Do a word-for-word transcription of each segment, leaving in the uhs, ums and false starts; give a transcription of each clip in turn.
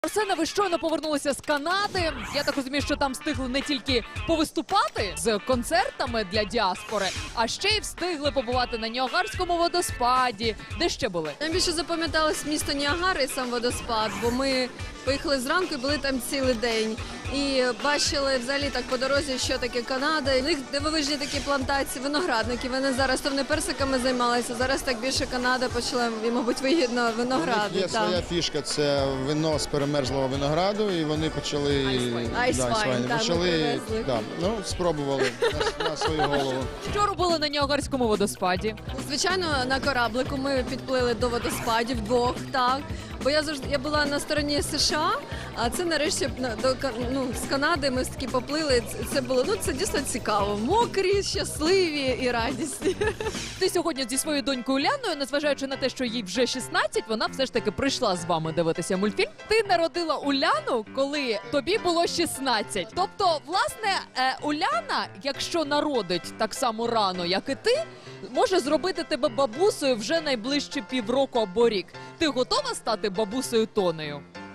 Арсена, ви щойно повернулися з Канади. Я так розумію, що там встигли не тільки повиступати з концертами для діаспори, а ще й встигли побувати на Ніагарському водоспаді. Де ще були? Нам більше запам'яталось місто Ніагара і сам водоспад, бо ми поїхали зранку і були там цілий день. І бачили взагалі так по дорозі, що таке Канада. У них дивовижні такі плантації, виноградники. Вони зараз то вони персиками займалися, зараз так більше Канада почала, і, мабуть, вигідно виногради. У них є там. своя фішка, це вино з перемерзлого винограду, і вони почали Айсвайн, так, ми почали привезли. да, ну, спробували на, на свою голову. Що робили на Ніагарському водоспаді? Звичайно, на кораблику ми підплили до водоспадів вдвох, так. Бо я завжди я була на стороні США, а це нарешті на- до Ка- ну, з Канади ми таки поплили. Це- Це було ну це дійсно цікаво. Мокрі, щасливі і радісні. Ти сьогодні зі своєю донькою Уляною, незважаючи на те, що їй вже шістнадцять, вона все ж таки прийшла з вами дивитися мультфільм. Ти народила Уляну, коли тобі було шістнадцять. Тобто, власне, е, Уляна, якщо народить так само рано, як і ти, може зробити тебе бабусею вже найближчі півроку або рік. Ти готова стати бабусею Тонею?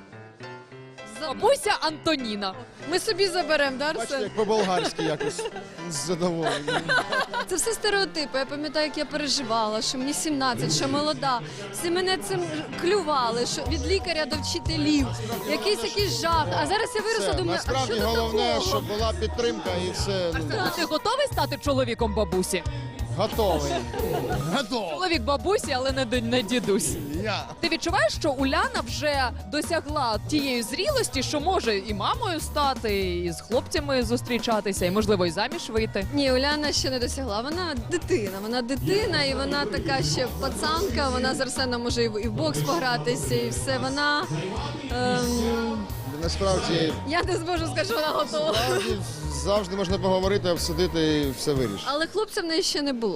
Бабуся Антоніна. Ми собі заберемо, да, Бачите, Арсен? як по-болгарськи якось з задоволенням. Це все стереотипи. Я пам'ятаю, як я переживала, що мені сімнадцять, що молода. Всі мене цим клювали, що від лікаря до вчителів. Якийсь якийсь жах. А зараз я виросла, Все, думаю, а насправді що тут головне, такого? щоб була підтримка і все. Ну, Ти готовий стати чоловіком бабусі? готовий. Готовий. Чоловік бабусі, але не, д- не дідусь. Я. Ти відчуваєш, що Уляна вже досягла тієї зрілості, що може і мамою стати, і з хлопцями зустрічатися, і можливо і заміж вийти? Ні, Уляна ще не досягла. Вона дитина. Вона дитина, і вона така ще пацанка. Вона з Арсеном може і в і в бокс погратися, і все. Вона ем, Насправді, я не зможу сказати, що вона готова. завжди, завжди можна поговорити, обсудити і все вирішити. Але хлопця в неї ще не було.